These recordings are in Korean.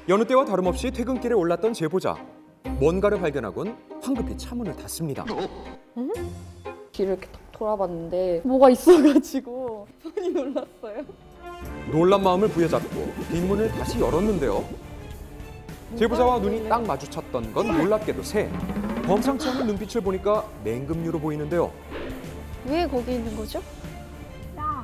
여느 때와 다름없이 퇴근길에 올랐던 제보자. 뭔가를 발견하곤 황급히 차문을 닫습니다. 뒤를 이렇게 딱 돌아봤는데 뭐가 있어가지고 많이 놀랐어요. 놀란 마음을 부여잡고 뒷문을 다시 열었는데요. 제보자와 눈이 딱 마주쳤던 건 놀랍게도 새. 범상치 않은 눈빛을 보니까 맹금류로 보이는데요. 왜 거기 있는 거죠? 야,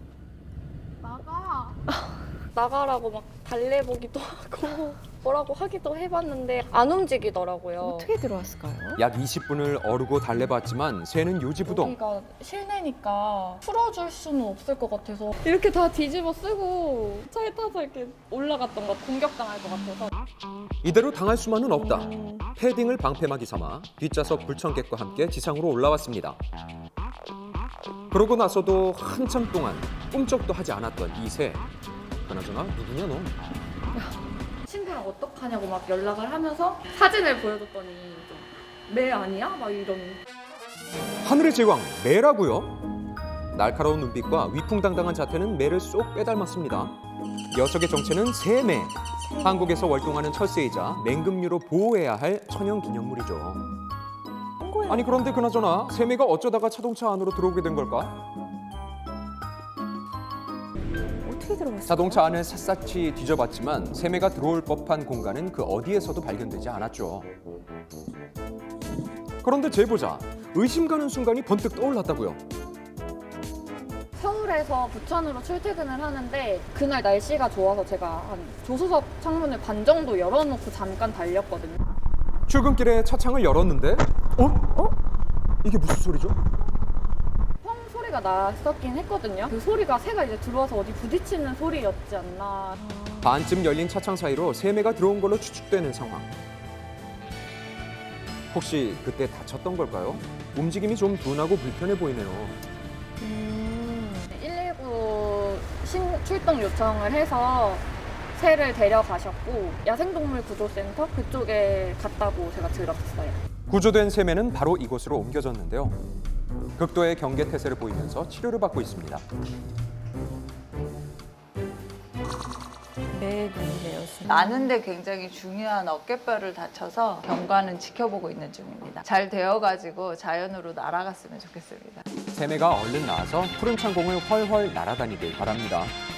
나가. 나가라고 막 달래보기도 하고 뭐라고 하기도 해봤는데 안 움직이더라고요. 어떻게 들어왔을까요? 약 20분을 어르고 달래봤지만 새는 요지부동. 여기가 실내니까 풀어줄 수는 없을 것 같아서 이렇게 다 뒤집어 쓰고 차에 타서 이렇게 올라갔던 것 공격당할 것 같아서 이대로 당할 수만은 없다. 패딩을 방패막이 삼아 뒷좌석 불청객과 함께 지상으로 올라왔습니다. 그러고 나서도 한참 동안 꿈쩍도 하지 않았던 이 새. 그나저나 누구냐 너? 친구랑 어떡하냐고 막 연락을 하면서 사진을 보여줬더니 매 아니야? 막 이런. 하늘의 제왕 매라고요? 날카로운 눈빛과 위풍당당한 자태는 매를 쏙 빼닮았습니다. 녀석의 정체는 새매. 한국에서 월동하는 철새이자 맹금류로 보호해야 할 천연 기념물이죠. 아니 그런데 그나저나 새매가 어쩌다가 자동차 안으로 들어오게 된 걸까? 어떻게 들어왔을까요? 자동차 안을 샅샅이 뒤져봤지만 새매가 들어올 법한 공간은 그 어디에서도 발견되지 않았죠. 그런데 제보자, 의심 가는 순간이 번뜩 떠올랐다고요. 서울에서 부천으로 출퇴근을 하는데 그날 날씨가 좋아서 제가 한 조수석 창문을 반 정도 열어놓고 잠깐 달렸거든요. 출근길에 차창을 열었는데 이게 무슨 소리죠? 펑 소리가 났었긴 했거든요. 그 소리가 새가 이제 들어와서 어디 부딪히는 소리였지 않나. 반쯤 열린 차창 사이로 새매가 들어온 걸로 추측되는 상황. 혹시 그때 다쳤던 걸까요? 움직임이 좀 둔하고 불편해 보이네요. 119 출동 요청을 해서 새를 데려가셨고 야생동물 구조센터 그쪽에 갔다고 제가 들었어요. 구조된 새매는 바로 이곳으로 옮겨졌는데요. 극도의 경계태세를 보이면서 치료를 받고 있습니다. 네, 눈이네요. 나는데 굉장히 중요한 어깨뼈를 다쳐서 경과는 지켜보고 있는 중입니다. 잘 되어가지고 자연으로 날아갔으면 좋겠습니다. 새매가 얼른 나와서 푸른 창공을 훨훨 날아다니길 바랍니다.